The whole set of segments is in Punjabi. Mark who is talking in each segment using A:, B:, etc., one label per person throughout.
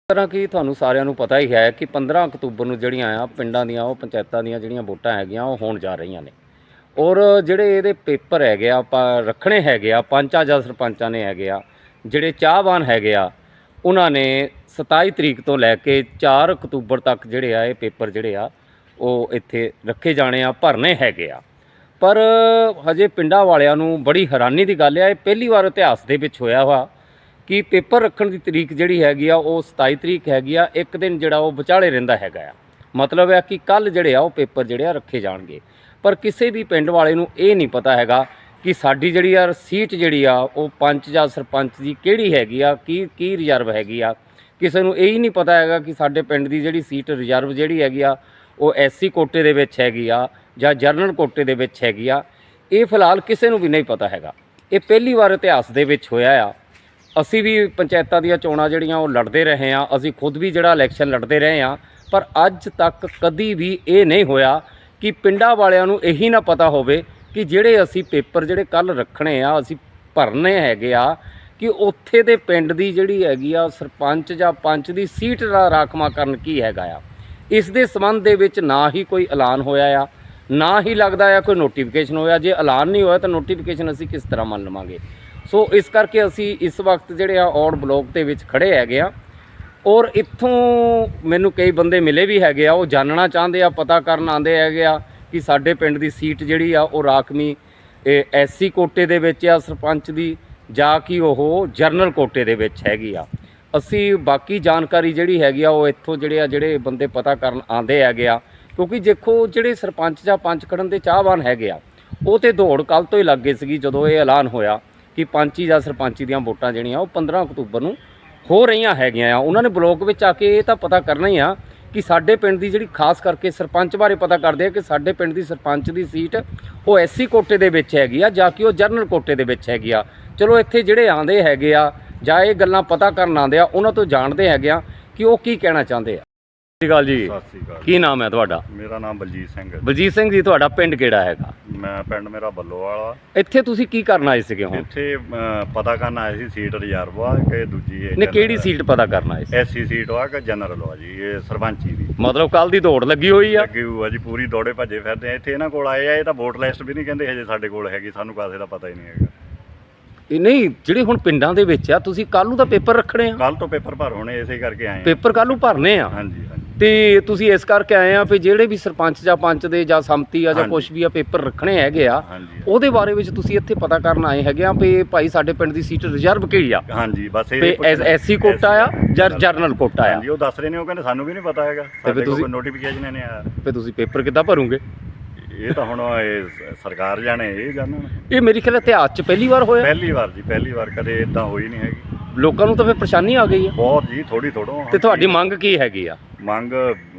A: ਤਰ੍ਹਾਂ ਕਿ ਤੁਹਾਨੂੰ ਸਾਰਿਆਂ ਨੂੰ ਪਤਾ ਹੀ ਹੈ ਕਿ 15 ਅਕਤੂਬਰ ਨੂੰ ਜਿਹੜੀਆਂ ਆ ਪਿੰਡਾਂ ਦੀਆਂ ਉਹ ਪੰਚਾਇਤਾਂ ਦੀਆਂ ਜਿਹੜੀਆਂ ਵੋਟਾਂ ਹੈਗੀਆਂ ਉਹ ਹੋਣ ਜਾ ਰਹੀਆਂ ਨੇ। ਔਰ ਜਿਹੜੇ ਇਹਦੇ ਪੇਪਰ ਹੈਗੇ ਆ ਆਪਾਂ ਰੱਖਣੇ ਹੈਗੇ ਆ ਪੰਚਾਂ ਜਾਂ ਸਰਪੰਚਾਂ ਨੇ ਹੈਗੇ ਆ, ਜਿਹੜੇ ਚਾਹਵਾਨ ਹੈਗੇ ਆ ਉਹਨਾਂ ਨੇ 27 ਤਰੀਕ ਤੋਂ ਲੈ ਕੇ 4 ਅਕਤੂਬਰ ਤੱਕ ਜਿਹੜੇ ਆ ਇਹ ਪੇਪਰ ਜਿਹੜੇ ਆ ਉਹ ਇੱਥੇ ਰੱਖੇ ਜਾਣੇ ਆ, ਭਰਨੇ ਹੈਗੇ ਆ। ਪਰ ਹਜੇ ਪਿੰਡਾਂ ਵਾਲਿਆਂ ਨੂੰ ਬੜੀ ਹੈਰਾਨੀ ਦੀ ਗੱਲ ਆ, ਇਹ ਪਹਿਲੀ ਵਾਰ ਇਤਿਹਾਸ ਦੇ ਵਿੱਚ ਹੋਇਆ ਵਾ ਕਿ ਪੇਪਰ ਰੱਖਣ ਦੀ ਤਰੀਕ ਜਿਹੜੀ ਹੈਗੀ ਆ ਉਹ 27 ਤਰੀਕ ਹੈਗੀ ਆ, ਇੱਕ ਦਿਨ ਜਿਹੜਾ ਉਹ ਵਿਚਾਲੇ ਰਹਿੰਦਾ ਹੈਗਾ ਆ। ਮਤਲਬ ਹੈ ਕਿ ਕੱਲ੍ਹ ਜਿਹੜੇ ਆ ਉਹ ਪੇਪਰ ਜਿਹੜੇ ਆ ਰੱਖੇ ਜਾਣਗੇ। ਪਰ ਕਿਸੇ ਵੀ ਪਿੰਡ ਵਾਲੇ ਨੂੰ ਇਹ ਨਹੀਂ ਪਤਾ ਹੈਗਾ ਕਿ ਸਾਡੀ ਜਿਹੜੀ ਆ ਸੀਟ ਜਿਹੜੀ ਆ ਉਹ ਪੰਚ ਜਾਂ ਸਰਪੰਚ ਦੀ ਕਿਹੜੀ ਹੈਗੀ ਆ, ਕੀ ਰਿਜ਼ਰਵ ਹੈਗੀ ਆ। ਕਿਸੇ ਨੂੰ ਇਹ ਹੀ ਨਹੀਂ ਪਤਾ ਹੈਗਾ ਕਿ ਸਾਡੇ ਪਿੰਡ ਦੀ ਜਿਹੜੀ ਸੀਟ ਰਿਜ਼ਰਵ ਜਿਹੜੀ ਹੈਗੀ ਆ ਉਹ SC ਕੋਟੇ ਦੇ ਵਿੱਚ ਹੈਗੀ ਆ ਜਾਂ ਜਰਨਲ ਕੋਟੇ ਦੇ ਵਿੱਚ ਹੈਗੀ ਆ। ਇਹ ਫਿਲਹਾਲ ਕਿਸੇ ਨੂੰ ਵੀ ਨਹੀਂ ਪਤਾ ਹੈਗਾ। ਇਹ ਪਹਿਲੀ ਵਾਰ ਇਤਿਹਾਸ ਦੇ ਵਿੱਚ ਹੋਇਆ ਆ। ਅਸੀਂ ਵੀ ਪੰਚਾਇਤਾਂ ਦੀਆਂ ਚੋਣਾਂ ਜਿਹੜੀਆਂ ਉਹ ਲੜਦੇ ਰਹੇ ਹਾਂ, ਅਸੀਂ ਖੁਦ ਵੀ ਜਿਹੜਾ ਇਲੈਕਸ਼ਨ ਲੜਦੇ ਰਹੇ ਹਾਂ, ਪਰ ਅੱਜ ਤੱਕ ਕਦੀ ਵੀ ਇਹ ਨਹੀਂ ਹੋਇਆ ਕਿ ਪਿੰਡਾਂ ਵਾਲਿਆਂ ਨੂੰ ਇਹੀ ਨਾ ਪਤਾ ਹੋਵੇ ਕਿ ਜਿਹੜੇ ਅਸੀਂ ਪੇਪਰ ਜਿਹੜੇ ਕੱਲ੍ਹ ਰੱਖਣੇ ਆ, ਅਸੀਂ ਭਰਨੇ ਹੈਗੇ ਆ, ਕਿ ਉੱਥੇ ਦੇ ਪਿੰਡ ਦੀ ਜਿਹੜੀ ਹੈਗੀ ਆ ਸਰਪੰਚ ਜਾਂ ਪੰਚ ਦੀ ਸੀਟ ਦਾ ਰਾਖਵਾਂਕਰਨ ਕੀ ਹੈਗਾ ਆ। ਇਸ ਦੇ ਸੰਬੰਧ ਦੇ ਵਿੱਚ ਨਾ ਹੀ ਕੋਈ ਐਲਾਨ ਹੋਇਆ ਆ, ਨਾ ਹੀ ਲੱਗਦਾ ਆ ਕੋਈ ਨੋਟੀਫਿਕੇਸ਼ਨ ਹੋਇਆ। ਜੇ ਐਲਾਨ ਨਹੀਂ ਹੋਇਆ ਤਾਂ ਨੋਟੀਫਿਕੇਸ਼ਨ ਅਸੀਂ ਕਿਸ ਤਰ੍ਹਾਂ ਮੰਨ ਲਵਾਂਗੇ। ਸੋ ਇਸ ਕਰਕੇ ਅਸੀਂ ਇਸ ਵਕਤ ਜਿਹੜੇ ਆ ਔੜ ਬਲੋਕ ਦੇ ਵਿੱਚ ਖੜ੍ਹੇ ਹੈਗੇ ਆ। ਔਰ ਇੱਥੋਂ ਮੈਨੂੰ ਕਈ ਬੰਦੇ ਮਿਲੇ ਵੀ ਹੈਗੇ ਆ, ਉਹ ਜਾਣਨਾ ਚਾਹੁੰਦੇ ਆ, ਪਤਾ ਕਰਨ ਆਉਂਦੇ ਹੈਗੇ ਆ ਕਿ ਸਾਡੇ ਪਿੰਡ ਦੀ ਸੀਟ ਜਿਹੜੀ ਆ ਉਹ ਰਾਖਵੀਂ SC ਕੋਟੇ ਦੇ ਵਿੱਚ ਆ ਸਰਪੰਚ ਦੀ, ਜਾਂ ਕਿ ਉਹ ਜਰਨਲ ਕੋਟੇ ਦੇ ਵਿੱਚ ਹੈਗੀ ਆ। ਅਸੀਂ ਬਾਕੀ ਜਾਣਕਾਰੀ ਜਿਹੜੀ ਹੈਗੀ ਆ ਉਹ ਇੱਥੋਂ ਜਿਹੜੇ ਬੰਦੇ ਪਤਾ ਕਰਨ ਆਉਂਦੇ ਹੈਗੇ ਆ, ਕਿਉਂਕਿ ਦੇਖੋ ਜਿਹੜੇ ਸਰਪੰਚ ਜਾਂ ਪੰਚ ਖੜਨ ਦੇ ਚਾਹਵਾਨ ਹੈਗੇ ਆ ਉਹ ਤਾਂ ਦੌੜ ਕੱਲ੍ਹ ਤੋਂ ਹੀ ਲੱਗ ਗਏ ਸੀਗੀ ਜਦੋਂ ਇਹ ਐਲਾਨ ਹੋਇਆ ਕਿ ਪੰਚੀ ਜਾਂ ਸਰਪੰਚੀ ਦੀਆਂ ਵੋਟਾਂ ਜਿਹੜੀਆਂ ਉਹ 15 ਅਕਤੂਬਰ ਨੂੰ ਹੋ ਰਹੀਆਂ ਹੈਗੀਆਂ ਆ। ਉਹਨਾਂ ਨੇ ਬਲੋਕ ਵਿੱਚ ਆ ਕੇ ਇਹ ਤਾਂ ਪਤਾ ਕਰਨਾ ਹੀ ਆ ਕਿ ਸਾਡੇ ਪਿੰਡ ਦੀ ਜਿਹੜੀ ਖਾਸ ਕਰਕੇ ਸਰਪੰਚ ਬਾਰੇ ਪਤਾ ਕਰਦੇ ਆ ਕਿ ਸਾਡੇ ਪਿੰਡ ਦੀ ਸਰਪੰਚ ਦੀ ਸੀਟ ਉਹ SC ਕੋਟੇ ਦੇ ਵਿੱਚ ਹੈਗੀ ਆ ਜਾਂ ਕਿ ਉਹ ਜਰਨਲ ਕੋਟੇ ਦੇ ਵਿੱਚ ਹੈਗੀ ਆ। ਚਲੋ ਇੱਥੇ ਜਿਹੜੇ ਆਉਂਦੇ ਹੈਗੇ ਆ ਜਾਂ ਇਹ ਗੱਲਾਂ ਪਤਾ ਕਰਨ ਆਉਂਦੇ ਆ, ਉਹਨਾਂ ਤੋਂ ਜਾਣਦੇ ਹੈਗੇ ਆ ਕਿ ਉਹ ਕੀ ਕਹਿਣਾ ਚਾਹੁੰਦੇ ਆ। ਸਤਿ ਸ਼੍ਰੀ ਅਕਾਲ ਜੀ।
B: ਸਤਿ ਸ਼੍ਰੀ ਅਕਾਲ।
A: ਕੀ ਨਾਮ ਹੈ ਤੁਹਾਡਾ?
B: ਮੇਰਾ ਨਾਮ ਬਲਜੀਤ ਸਿੰਘ ਹੈ।
A: ਬਲਜੀਤ ਸਿੰਘ ਜੀ, ਤੁਹਾਡਾ ਪਿੰਡ ਕਿਹੜਾ ਹੈਗਾ?
B: ਮੈਂ ਪਿੰਡ ਮੇਰਾ ਬੱਲੋਵਾਲਾ।
A: ਇੱਥੇ ਤੁਸੀਂ ਕੀ ਕਰਨ ਆਏ ਸੀਗੇ ਹੁਣ?
B: ਇੱਥੇ ਪਤਾ ਕਰਨ ਆਏ ਸੀ ਸੀਟ ਰਿਜ਼ਰਵ ਆ ਕਿ ਦੂਜੀ
A: ਨੇ ਕਿਹੜੀ ਸੀਟ ਪਤਾ ਕਰਨ ਆਏ ਸੀ?
B: SC ਸੀਟ ਆ ਕਿ ਜਨਰਲ ਆ ਜੀ, ਇਹ ਸਰਪੰਚੀ ਦੀ।
A: ਮਤਲਬ ਕੱਲ ਦੀ ਦੌੜ ਲੱਗੀ ਹੋਈ ਆ?
B: ਲੱਗੀ ਹੋਈ ਆ ਜੀ, ਪੂਰੀ ਦੌੜੇ ਭੱਜੇ ਫਿਰਦੇ ਆ। ਇੱਥੇ ਇਹਨਾਂ ਕੋਲ ਆਏ ਆ, ਇਹ ਤਾਂ ਵੋਟ ਲਿਸਟ ਵੀ ਨਹੀਂ ਕਹਿੰਦੇ ਹਜੇ ਸਾਡੇ ਕੋਲ ਹੈਗੀ, ਸਾਨੂੰ ਕਾਸੇ ਦਾ ਪਤਾ ਹੀ ਨਹੀਂ ਹੈਗਾ।
A: ਇਹ ਨਹੀਂ, ਜਿਹੜੇ ਹੁਣ ਪਿੰਡਾਂ ਦੇ ਵਿੱਚ ਆ, ਤੁਸੀਂ ਕੱਲ੍ਹ ਨੂੰ ਤਾਂ ਪੇਪਰ ਰੱਖਣੇ ਆ।
B: ਕੱਲ ਤੋਂ ਪੇਪਰ ਭਰ ਹੋਣੇ, ਇਸੇ ਕਰਕੇ ਆਏ ਆ।
A: ਪੇਪਰ ਕੱਲ੍ਹ ਨੂੰ ਭਰਨੇ ਆ?
B: ਹਾਂਜੀ ਹਾਂਜੀ।
A: ਤੇ ਤੁਸੀਂ ਇਸ ਕਰਕੇ ਆਏ ਆ ਵੀ ਜਿਹੜੇ ਵੀ ਸਰਪੰਚ ਜਾਂ ਪੰਚ ਦੇ ਜਾਂ ਸੰਮਤੀ ਆ ਜਾਂ ਕੁਛ ਵੀ ਆ ਪੇਪਰ ਰੱਖਣੇ ਹੈਗੇ ਆ, ਉਹਦੇ ਬਾਰੇ ਵਿੱਚ ਤੁਸੀਂ ਇੱਥੇ ਪਤਾ ਕਰਨ ਆਏ ਹੈਗੇ ਆ ਵੀ ਭਾਈ ਸਾਡੇ ਪਿੰਡ ਦੀ ਸੀਟ ਰਿਜ਼ਰਵ ਕਿਹੜੀ ਆ?
B: ਹਾਂਜੀ, ਬਸ
A: ਇਹ SC ਕੋਟਾ ਆ ਜਾਂ ਜਰਨਲ ਕੋਟਾ ਆ?
B: ਹਾਂਜੀ, ਉਹ ਦੱਸ ਰਹੇ ਨੇ, ਉਹ ਕਹਿੰਦੇ ਸਾਨੂੰ ਵੀ ਨਹੀਂ ਪਤਾ ਹੈਗਾ, ਸਾਡੇ ਕੋਲ ਕੋਈ ਨੋਟੀਫਿਕੇਸ਼ਨ ਨਹੀਂ ਆਇਆ।
A: ਤੇ ਤੁਸੀਂ ਪੇਪਰ ਕਿੱਦਾਂ ਭਰੋਗੇ?
B: ਇਹ ਤਾਂ ਹੁਣ ਇਹ ਸਰਕਾਰ ਜਾਣੇ, ਇਹ ਜਾਣਨ।
A: ਇਹ ਮੇਰੀ ਖਿਆਲ ਇਤਿਹਾਸ 'ਚ ਪਹਿਲੀ ਵਾਰ ਹੋਇਆ।
B: ਪਹਿਲੀ ਵਾਰ ਜੀ, ਪਹਿਲੀ ਵਾਰ, ਕਦੇ ਇਦਾਂ ਹੋਈ ਨਹੀਂ ਹੈਗੀ।
A: ਲੋਕਾਂ ਨੂੰ ਤਾਂ ਫਿਰ ਪਰੇਸ਼ਾਨੀ ਆ ਗਈ ਆ
B: ਬਹੁਤ ਜੀ, ਥੋੜੀ ਥੋੜੋ।
A: ਤੇ ਤੁਹਾਡੀ ਮੰਗ ਕੀ ਹੈਗੀ ਆ?
B: ਮੰਗ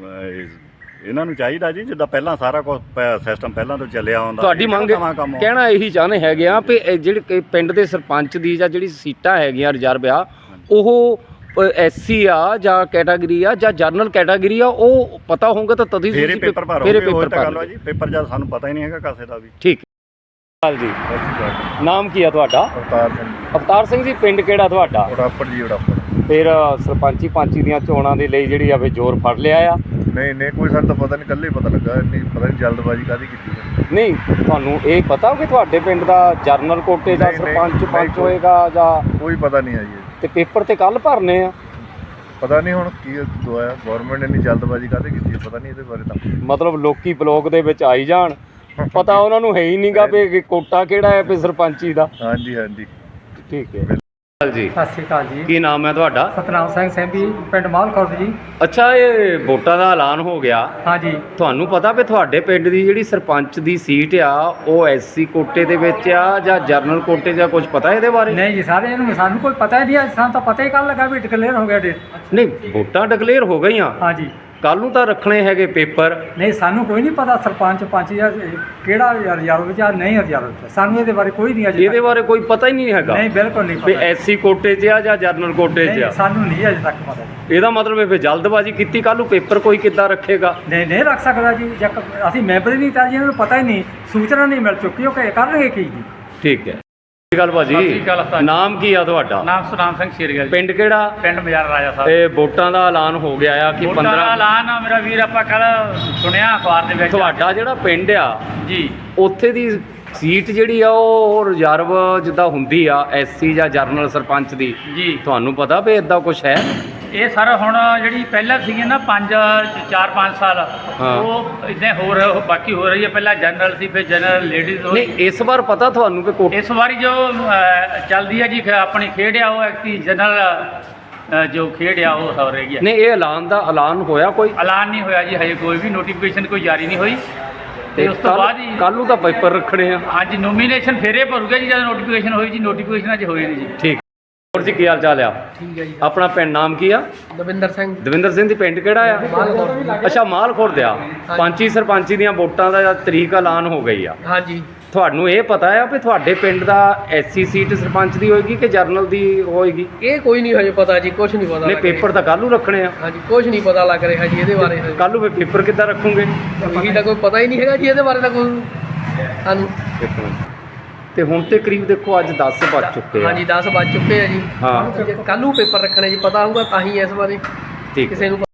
B: ਇਹਨਾਂ ਨੂੰ ਚਾਹੀਦਾ ਜੀ, ਜਿੱਦਾਂ ਪਹਿਲਾਂ ਸਾਰਾ ਕੁਝ ਸਿਸਟਮ ਪਹਿਲਾਂ ਤੋਂ ਚੱਲਿਆ ਆਉਂਦਾ।
A: ਤੁਹਾਡੀ ਮੰਗ ਕਹਿਣਾ ਇਹੀ ਚਾਹੁੰਦੇ ਹੈਗੇ ਆ ਵੀ ਜਿਹੜੇ ਪਿੰਡ ਦੇ ਸਰਪੰਚ ਦੀ ਜਾਂ ਜਿਹੜੀ ਸੀਟਾਂ ਹੈਗੀਆਂ ਰਿਜ਼ਰਵ ਆ, ਉਹ SC ਆ ਜਾਂ ਕੈਟਾਗਰੀ ਆ ਜਾਂ ਜਰਨਲ ਕੈਟਾਗਰੀ ਆ, ਉਹ ਪਤਾ ਹੋਊਗਾ ਤਾਂ ਤਦ ਹੀ
B: ਪੇਪਰ ਭਰੋਗੇ। ਉਹ ਤਾਂ ਗੱਲ ਆ ਜੀ, ਪੇਪਰ ਜਦ ਸਾਨੂੰ ਪਤਾ ਹੀ ਨਹੀਂ ਹੈਗਾ ਕਾਸੇ ਦਾ ਵੀ।
A: ਠੀਕ ਹੈ ਜੀ। ਨਾਮ ਕੀ ਆ ਤੁਹਾਡਾ?
B: ਅਵਤਾਰ ਸਿੰਘ।
A: ਅਵਤਾਰ ਸਿੰਘ ਜੀ, ਪਿੰਡ ਕਿਹੜਾ ਤੁਹਾਡਾ?
B: ਉੜਾਪੜ ਜੀ, ਉੜਾਪੜ।
A: ਫਿਰ ਸਰਪੰਚੀ ਪੰਚੀ ਦੀਆਂ ਚੋਣਾਂ ਦੇ ਲਈ ਜਿਹੜੀ ਆ ਵੀ ਜ਼ੋਰ ਫੜ ਲਿਆ ਆ?
B: ਨਹੀਂ, ਕੋਈ ਸਾਨੂੰ ਤਾਂ ਪਤਾ ਨਹੀਂ, ਕੱਲੇ ਪਤਾ ਲੱਗਾ, ਇੰਨੀ ਪਤਾ ਨਹੀਂ ਜਲਦਬਾਜ਼ੀ ਕਾਹਦੀ ਕੀਤੀ।
A: ਨਹੀਂ, ਤੁਹਾਨੂੰ ਇਹ ਪਤਾ ਕਿ ਤੁਹਾਡੇ ਪਿੰਡ ਦਾ ਜਰਨਲ ਕੋਟੇ ਦਾ ਸਰਪੰਚ ਪੰਚ ਹੋਏਗਾ ਜਾਂ?
B: ਕੋਈ ਪਤਾ ਨਹੀਂ ਆ ਜੀ। ਤੇ
A: ਪੇਪਰ ਤੇ ਕੱਲ ਭਰਨੇ ਆ?
B: ਪਤਾ ਨਹੀਂ ਹੁਣ ਕੀ ਦੁਆਇਆ, ਗਵਰਨਮੈਂਟ ਨੇ ਇੰਨੀ ਜਲਦਬਾਜ਼ੀ ਕਾਹਦੇ ਕੀਤੀ, ਪਤਾ ਨਹੀਂ ਇਹਦੇ ਬਾਰੇ ਤਾਂ।
A: ਮਤਲਬ ਲੋਕੀ ਬਲੋਕ ਦੇ ਵਿੱਚ ਆਈ ਜਾਣ, ਪਤਾ ਉਹਨਾਂ ਨੂੰ ਹੈ ਹੀ ਨਹੀਂਗਾ ਵੀ ਕੋਟਾ ਕਿਹੜਾ ਹੈ ਵੀ ਸਰਪੰਚੀ ਦਾ।
B: ਹਾਂਜੀ ਹਾਂਜੀ,
A: ਠੀਕ ਹੈ ਜੀ।
C: ਸਤਿ ਸ਼੍ਰੀ ਅਕਾਲ ਜੀ।
A: ਕੀ ਨਾਮ ਹੈ ਤੁਹਾਡਾ?
C: ਸਤਨਾਮ ਸਿੰਘ ਸੈਂਬੀ, ਪਿੰਡ ਮਾਲਖੁਰਦ ਜੀ।
A: ਅੱਛਾ, ਇਹ ਵੋਟਾਂ ਦਾ ਐਲਾਨ ਹੋ ਗਿਆ?
C: ਹਾਂਜੀ।
A: ਤੁਹਾਨੂੰ ਪਤਾ ਵੀ ਤੁਹਾਡੇ ਪਿੰਡ ਦੀ ਜਿਹੜੀ ਸਰਪੰਚ ਦੀ ਸੀਟ ਆ ਉਹ SC ਕੋਟੇ ਦੇ ਵਿੱਚ ਆ ਜਾਂ ਜਰਨਲ ਕੋਟੇ ਜਾਂ ਕੁਝ ਪਤਾ ਇਹਦੇ ਬਾਰੇ?
C: ਨਹੀਂ ਜੀ, ਸਾਰੇ ਇਹਨੂੰ ਸਾਨੂੰ ਕੋਈ ਪਤਾ ਹੀ ਨਹੀਂ, ਸਾਨੂੰ ਤਾਂ ਪਤਾ ਹੀ ਕੱਲ ਲੱਗਾ ਵੀ ਡਿਕਲੇਅਰ ਹੋ ਗਿਆ ਡੇਟ।
A: ਨਹੀਂ, ਵੋਟਾਂ ਡਿਕਲੇਅਰ ਹੋ ਗਈਆਂ?
C: ਹਾਂਜੀ।
A: ਕੱਲ ਨੂੰ ਤਾਂ ਰੱਖਣੇ ਹੈਗੇ ਪੇਪਰ।
C: ਨਹੀਂ, ਸਾਨੂੰ ਕੋਈ ਨਹੀਂ ਪਤਾ ਸਰਪੰਚ ਪੰਚ ਜਾਂ ਕਿਹੜਾ ਰਿਜ਼ਰਵ ਵਿੱਚ ਆ ਨਹੀਂ ਰਿਜ਼ਰਵ ਵਿੱਚ, ਸਾਨੂੰ ਇਹਦੇ ਬਾਰੇ ਕੋਈ ਨਹੀਂ ਅਜੇ।
A: ਇਹਦੇ ਬਾਰੇ ਕੋਈ ਪਤਾ ਹੀ ਨਹੀਂ ਹੈਗਾ?
C: ਨਹੀਂ, ਬਿਲਕੁਲ ਨਹੀਂ
A: ਵੀ
C: ਪਤਾ।
A: SC ਕੋਟੇ 'ਚ ਆ ਜਾਂ ਜਰਨਲ ਕੋਟੇ 'ਚ ਆ?
C: ਸਾਨੂੰ ਨਹੀਂ ਅਜੇ ਤੱਕ ਪਤਾ।
A: ਇਹਦਾ ਮਤਲਬ ਇਹ ਫਿਰ ਜਲਦਬਾਜ਼ੀ ਕੀਤੀ, ਕੱਲ ਨੂੰ ਪੇਪਰ ਕੋਈ ਕਿੱਦਾਂ ਰੱਖੇਗਾ?
C: ਨਹੀਂ ਰੱਖ ਸਕਦਾ ਜੀ, ਅਸੀਂ ਮੈਂਬਰ ਹੀ ਨਹੀਂ ਤਾਂ ਜੀ, ਇਹਨਾਂ ਨੂੰ ਪਤਾ ਹੀ ਨਹੀਂ, ਸੂਚਨਾ ਨਹੀਂ ਮਿਲ ਚੁੱਕੀ, ਉਹ ਕਰਨਗੇ ਕੀ ਜੀ।
A: ਠੀਕ ਹੈ। ਗੱਲ ਭਾਜੀ,
D: ਸਤਿ ਸ਼੍ਰੀ ਅਕਾਲ ਉਸਤਾਦ ਜੀ।
A: ਨਾਮ ਕੀ ਆ ਤੁਹਾਡਾ?
D: ਨਾਮ ਸੁਨਾਮ ਸਿੰਘ ਸ਼ੇਰਗਿੱਲ,
A: ਪਿੰਡ ਕਿਹੜਾ?
D: ਪਿੰਡ ਮਜਾਰ ਰਾਜਾ ਸਾਹਿਬ।
A: ਇਹ ਵੋਟਾਂ ਦਾ ਐਲਾਨ ਹੋ ਗਿਆ ਆ ਕਿ
D: ਵੋਟਾਂ ਦਾ
A: 15
D: ਐਲਾਨ ਆ ਮੇਰਾ ਵੀਰ, ਆਪਾਂ ਕੱਲ ਸੁਣਿਆ ਅਖਬਾਰ ਦੇ ਵਿੱਚ।
A: ਤੁਹਾਡਾ ਜਿਹੜਾ ਪਿੰਡ ਆ
D: ਜੀ
A: ਉੱਥੇ ਦੀ ਸੀਟ ਜਿਹੜੀ ਆ ਉਹ ਰਿਜ਼ਰਵ ਜਿੱਦਾਂ ਹੁੰਦੀ ਆ ਐਸਸੀ ਜਾਂ ਜਰਨਲ ਸਰਪੰਚ ਦੀ,
D: ਜੀ
A: ਤੁਹਾਨੂੰ ਪਤਾ ਵੀ ਇਦਾਂ ਕੁਝ ਹੈ?
D: ਇਹ ਸਰ ਹੁਣ ਜਿਹੜੀ ਪਹਿਲਾਂ ਸੀਗੀ ਨਾ 4-5 ਸਾਲ,
A: ਹਾਂ।
D: ਉਹ ਇਦਾਂ ਬਾਕੀ ਹੋ ਰਹੀ ਹੈ। ਪਹਿਲਾਂ ਜਨਰਲ ਸੀ, ਫਿਰ ਜਨਰਲ ਲੇਡੀਜ਼ ਹੋਈ।
A: ਨਹੀਂ ਇਸ ਵਾਰ ਪਤਾ ਤੁਹਾਨੂੰ ਕਿ ਕੋਟ
D: ਇਸ ਵਾਰੀ ਜੋ ਚੱਲਦੀ ਹੈ ਜੀ ਆਪਣੀ ਖੇਡ ਆ, ਉਹ ਐਕਟੀ ਜਨਰਲ ਜੋ ਖੇਡ ਆ ਉਹ ਹੋ ਰਹੀ ਹੈ।
A: ਨਹੀਂ ਇਹ ਐਲਾਨ ਦਾ ਐਲਾਨ ਹੋਇਆ ਕੋਈ?
D: ਐਲਾਨ ਨਹੀਂ ਹੋਇਆ ਜੀ ਹਜੇ, ਕੋਈ ਵੀ ਨੋਟੀਫਿਕੇਸ਼ਨ ਕੋਈ ਜਾਰੀ ਨਹੀਂ ਹੋਈ। ਤੇ ਉਸ ਤੋਂ ਬਾਅਦ ਹੀ
A: ਕੱਲ੍ਹ ਨੂੰ ਤਾਂ ਪੇਪਰ ਰੱਖਣੇ ਆ।
D: ਹਾਂਜੀ ਨੋਮੀਨੇਸ਼ਨ ਫੇਰੇ ਭਰੂਗਾ ਜੀ ਜਦੋਂ ਨੋਟੀਫਿਕੇਸ਼ਨ ਹੋਈ ਜੀ। ਨੋਟੀਫਿਕੇਸ਼ਨ ਅਜੇ ਹੋਈ ਨਹੀਂ ਜੀ।
A: ਠੀਕ। ਹੋਰ ਜੀ ਕੀ ਹਾਲ ਚਾਲ ਆ?
E: ਠੀਕ ਹੈ ਜੀ।
A: ਆਪਣਾ ਪਿੰਡ ਨਾਮ ਕੀ ਆ?
E: ਦਵਿੰਦਰ ਸਿੰਘ
A: ਦਵਿੰਦਰ ਸਿੰਘ ਦੀ ਪਿੰਡ ਕਿਹੜਾ ਆ?
E: ਮਾਲਕੋਟ।
A: ਅੱਛਾ ਮਾਲਖੁਰਦ ਆ। ਪੰਚੀ ਸਰਪੰਚੀ ਦੀਆਂ ਵੋਟਾਂ ਦਾ ਤਰੀਕ ਐਲਾਨ ਹੋ ਗਈ ਆ।
E: ਹਾਂਜੀ
A: ਤੁਹਾਨੂੰ ਇਹ ਪਤਾ ਆ ਵੀ ਤੁਹਾਡੇ ਪਿੰਡ ਦਾ ਐਸਸੀ ਸੀਟ ਸਰਪੰਚ ਦੀ ਹੋਏਗੀ ਕਿ ਜਰਨਲ ਦੀ ਹੋਏਗੀ?
E: ਇਹ ਕੋਈ ਨਹੀਂ ਹਜੇ ਪਤਾ ਜੀ, ਕੁਝ ਨਹੀਂ ਪਤਾ
A: ਨਹੀਂ
E: ਲੱਗ ਰਿਹਾ।
A: ਪੇਪਰ ਤਾਂ ਕੱਲ੍ਹ ਨੂੰ ਰੱਖਣੇ ਆ।
E: ਹਾਂਜੀ ਕੁਝ ਨਹੀਂ ਪਤਾ ਲੱਗ ਰਿਹਾ ਜੀ ਇਹਦੇ ਬਾਰੇ ਹਜੇ।
A: ਕੱਲ੍ਹ ਨੂੰ ਫਿਰ ਪੇਪਰ ਕਿੱਦਾਂ ਰੱਖੋਗੇ?
E: ਇਹੀ ਤਾਂ ਕੋਈ ਪਤਾ ਹੀ ਨਹੀਂ ਹੈਗਾ ਜੀ ਇਹਦੇ ਬਾਰੇ ਤਾਂ ਕੋਈ ਸਾਨੂੰ।
A: ਇੱਕ ਮਿੰਟ। ਤੇ ਹੁਣ ਤੇ ਕਰੀਬ ਦੇਖੋ ਅੱਜ 10 ਵੱਜ ਚੁੱਕੇ ਆ।
E: ਹਾਂਜੀ 10 ਵੱਜ ਚੁੱਕੇ ਆ ਜੀ।
A: ਹਾਂ
E: ਕੱਲ੍ਹ ਨੂੰ ਪੇਪਰ ਰੱਖਣੇ ਜੀ, ਪਤਾ ਹੋਊਗਾ ਤਾਂ ਹੀ ਇਸ ਬਾਰੇ
A: ਠੀਕ
E: ਕਿਸੇ ਨੂੰ